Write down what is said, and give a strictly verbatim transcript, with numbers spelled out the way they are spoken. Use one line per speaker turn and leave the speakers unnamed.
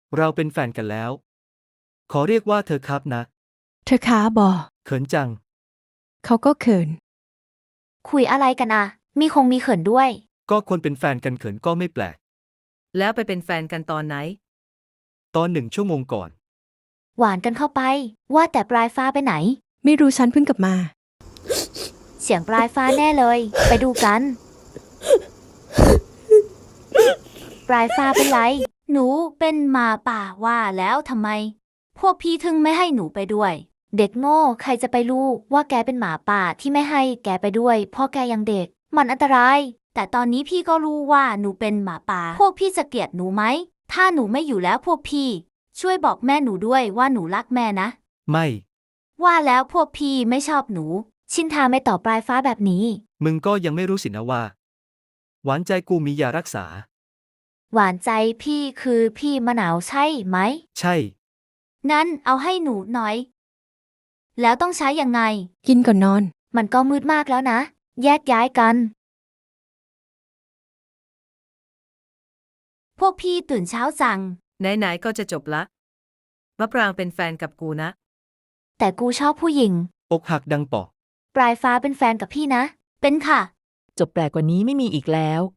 เราเป็นแฟนกันแล้ว ขอเรียกว่าเธอครับนะ
เธอค้าบอ
เขินจัง
เขาก็เขิน
คุยอะไรกันอะมีคงมีเขินด้วย
ก็คนเป็นแฟนกันเขินก็ไม่แปลก
แล้วไปเป็นแฟนกันตอนไหน
ตอนหนึ่งชั่วโมงก่อน
หวานกันเข้าไป ว่าแต่ปลายฟ้าไปไหน
ไม่รู้ฉันเพิ่งกลับมา
เสียงปลายฟ้าแน่เลย ไปดูกัน ปลายฟ้าเป็นไร หนูเป็นหมาป่าว่าแล้วทำไม พวกพี่ถึงไม่ให้หนูไปด้วย เด็กโง่ใครจะไปรู้ว่าแกเป็นหมาป่าที่ไม่ให้แกไปด้วยเพราะแกยังเด็ก มันอันตราย แต่ตอนนี้พี่ก็รู้ว่าหนูเป็นหมาป่า พวกพี่จะเกลียดหนูไหม ถ้าหนูไม่อยู่แล้วพวกพี่ ช่วยบอกแม่หนูด้วยว่าหนูรักแม่นะ
ไม่
ว่าแล้วพวกพี่ไม่ชอบหนู ชินทาไม่ตอบปลายฟ้าแบบนี้
มึงก็ยังไม่รู้สินะว่า หวานใจกูมียารักษา
หวานใจพี่คือพี่มะนาวใช่ไหม
ใช่
งั้นเอาให้หนูหน่อย แล้วต้องใช้ยังไง
กินก่อนนอน
มันก็มืดมากแล้วนะ แยกย้ายกัน พวกพี่ตื่นเช้าจัง
ไหนๆก็จะจบละมะปรางเป็นแฟนกับกูนะ
แต่กูชอบผู้หญิง
อกหักดังปอก
ปลายฟ้าเป็นแฟนกับพี่นะ เป็นค่ะ
จบแปลกกว่านี้ไม่มีอีกแล้ว